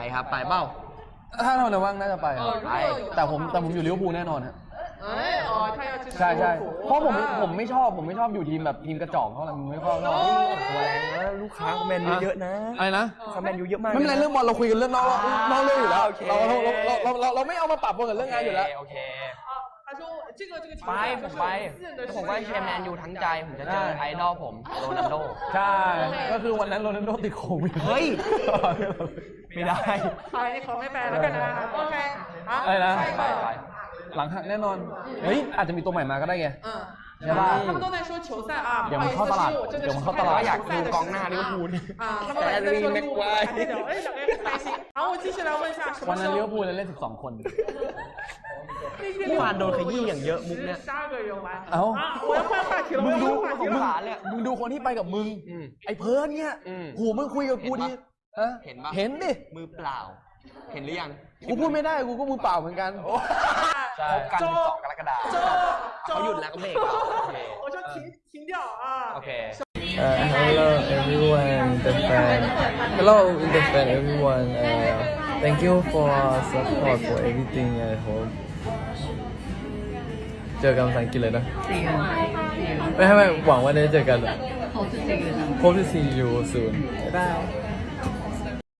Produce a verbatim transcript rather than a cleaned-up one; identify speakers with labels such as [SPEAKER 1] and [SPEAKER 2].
[SPEAKER 1] ครับไปเปล่า
[SPEAKER 2] ถ้าเราเนี่ยว่างน่าจะไปไปแต่ผมแต่ผมอยู่ลิเวอร์พูลแน่นอนฮะใช่ใช่เพราะผมผมไม่ชอบผมไม่ชอบอยู่ทีมแบบทีมกระจอกเท่าไหร่ผมไม่ชอบเท่าไหร่
[SPEAKER 3] ตัวแรงนะลูกค้าแมนยูเยอะนะ
[SPEAKER 2] อะไรนะ
[SPEAKER 3] แมนยูเยอะมาก
[SPEAKER 2] ไม่เป็นไรเรื่องบอลเราคุยกันเรื่องนอกนอกเรื่องอยู่แล้วเราเราเราเราเราไม่เอามาปรับปนกับเรื่องงานอยู่แล้ว
[SPEAKER 1] โอเคไปผมไปผมก็เชียร์แมนยูทั้งใจผมจะเจอไอดอลผมโรนัลโด
[SPEAKER 2] ใช่ก็คือวันนั้นโรนัลโดติดโควิด
[SPEAKER 1] เฮ้ยไม่ได้
[SPEAKER 4] ใช่เขาไม่แปลแล้วกันนะโอเค
[SPEAKER 2] อะไรนะ
[SPEAKER 1] ไปไป
[SPEAKER 2] หลังหักแน่นอนเฮ้ยอาจจะมีตัวใหม่มาก็ได้ไงใช่ป่ะ
[SPEAKER 4] 他们都在说球赛啊
[SPEAKER 2] เดี๋ยวมันเข้าตลาดเดี๋ยวมันเข้าตลาด
[SPEAKER 1] อยากดูกองหน้าลิเวอร์พูล
[SPEAKER 4] 啊他们在说利物浦还在聊哎两个人很开心然后我继续来问一下什么
[SPEAKER 2] วันนั้นลิเวอร์พูลเล่นสิบสองคน
[SPEAKER 1] เมื่อวานโดนขยี้อย่างเยอะมุกเนี่ย
[SPEAKER 2] เอ้า
[SPEAKER 4] 我要换话题了
[SPEAKER 2] มึงดู
[SPEAKER 1] ของขาเลย
[SPEAKER 2] มึงดูคนที่ไปกับมึงไอ้เพิร์นเนี่ยโหมึงคุยกับกูดิ
[SPEAKER 1] เห็นปะ
[SPEAKER 2] เห็นดิ
[SPEAKER 1] มือเปล่าเห็นหรือยัง
[SPEAKER 2] กูพูดไม่ได้กูก็มือเปล่าเหมือนกัน
[SPEAKER 1] ใช่กันสิบสองกรกฎาคมเขาหยุดแล้วก็เบรก
[SPEAKER 4] 我就停停掉啊
[SPEAKER 1] โอเค
[SPEAKER 5] Uh, hello everyone, the fan. Hello, the fan, everyone. Uh, thank you for support for everything. I hope. เจอกันภาษาอังกฤษเลยนะไม่ไม่หวังว่าได้เจอกัน Hope to see you soon. Bye.